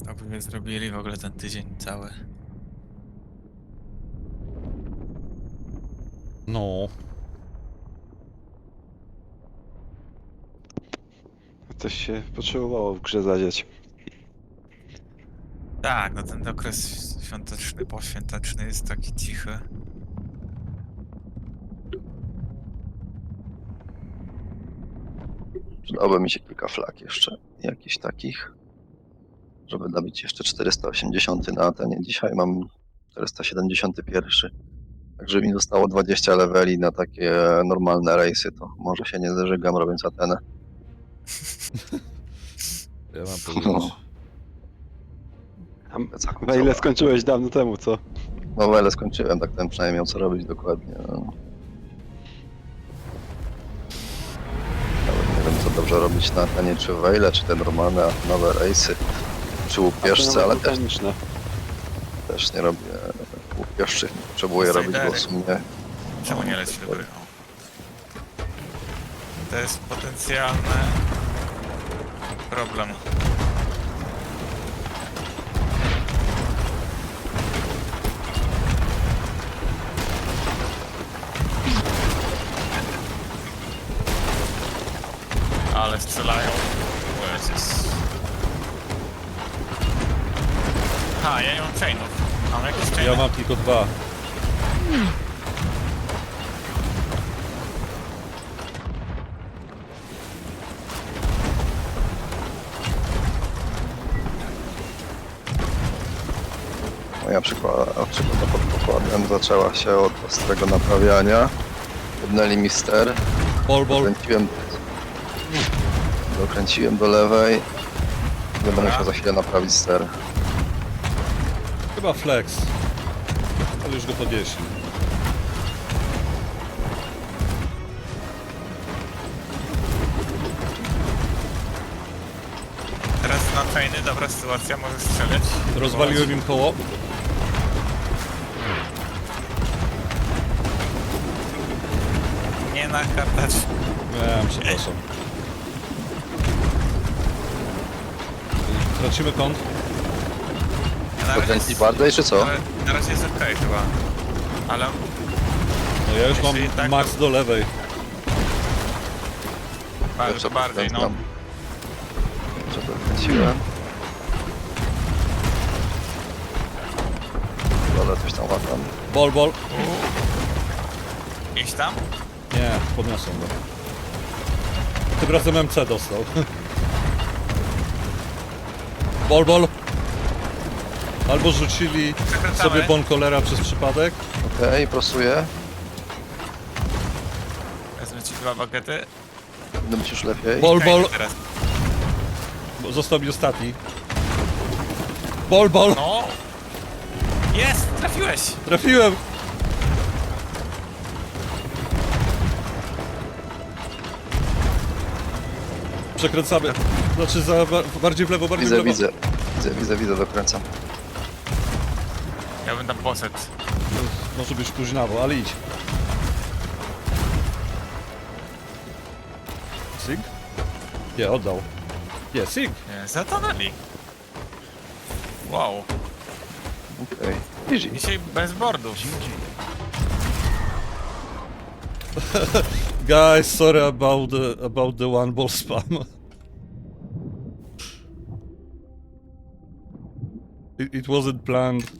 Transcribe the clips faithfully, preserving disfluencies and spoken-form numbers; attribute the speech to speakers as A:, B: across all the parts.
A: To by zrobili w ogóle ten tydzień cały.
B: No.
C: Coś się potrzebowało w grze zadziać.
A: Tak, no ten okres świąteczny, poświąteczny jest taki cichy.
D: Przydałoby mi się kilka flag jeszcze, jakichś takich, żeby nabić jeszcze czterysta osiemdziesiąt na Atenie. Dzisiaj mam czterysta siedemdziesiąt jeden. Także mi zostało dwadzieścia leveli na takie normalne rejsy, to może się nie zażygam robiąc Atenę.
B: Ja mam powiedzieć.
C: A na ile skończyłeś dawno temu, co?
D: No ale skończyłem, tak ten przynajmniej miał co robić dokładnie. No. Nawet nie wiem co dobrze robić na Atenie, czy Wejle, czy te normalne nowe rejsy, czy łupieżce, ale też,
C: botaniczne.
D: też nie robię łupieżczych, nie potrzebuję robić, bo w sumie
A: Czemu nie leci do gry? O. To jest potencjalny problem. Ale strzelają. O Jezus. Ha, ja nie mam chainów. Mam jakieś chainy?
B: Ja mam tylko dwa.
D: moja przygoda przygoda pod pokładem zaczęła się od ostrego naprawiania. Jednęli mi ster,
B: Ball, ball.
D: dokręciłem, dokręciłem do lewej. Będę musiał za chwilę naprawić ster.
B: Chyba flex. Ale już go podnieśli.
A: Teraz na chainy, dobra sytuacja, może strzelać.
B: Rozwaliłem im koło.
A: Nie nakatać.
B: Nie, przepraszam. Tracimy kąt.
A: Na razie
D: Dokręcić
A: jest-
D: bardziej, czy co?
A: Na, na razie jest okej chyba. Ale
B: No ja już
A: Jeśli
B: mam
A: tak,
B: max
A: to-
B: do lewej.
A: bardzo bardziej, no.
D: dokręcam. Jeszcze dokręciłem. Ale coś tam łatam.
B: Ball, ball.
A: Iść tam?
B: Nie, podniosłem go. Tym razem M C dostał. Ball, ball. Albo rzucili
A: Przekręcamy.
B: sobie bonkolera przez przypadek.
D: Okej, prosuję.
A: Wezmę ci dwa bagety.
D: Będę być już lepiej.
B: Ball,
A: Chainy
B: ball.
A: teraz.
B: Bo został mi ostatni. Ball, ball.
A: No! Jest! Trafiłeś!
B: Trafiłem. Przekręcamy. Znaczy za, ba- bardziej w lewo, bardziej w
D: Widzę,
B: lewo.
D: widzę. Widzę, widzę, widzę, dokręcam.
A: Ja bym tam poszedł.
B: Może być późnawo, ale idź. Sig? Nie, oddał. Nie, Sig.
A: Nie, zatonęli. Wow.
D: Okej. Easy.
A: Dzisiaj bez boardów.
B: Guys, sorry about the, about the one ball spam. It, it wasn't planned.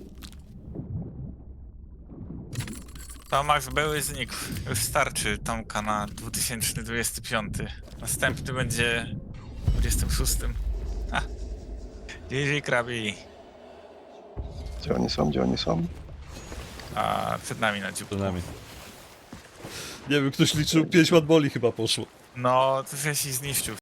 A: To Max były znikł. Już starczy Tomka na dwa tysiące dwudziesty piąty. Następny będzie dwudziestym szóstym. Ha. G G Krabi.
D: Gdzie oni są, gdzie oni są?
A: A przed nami na dziób.
B: Przed nami. Nie wiem, ktoś liczył pięć one balli chyba poszło.
A: No, to się zniszczył.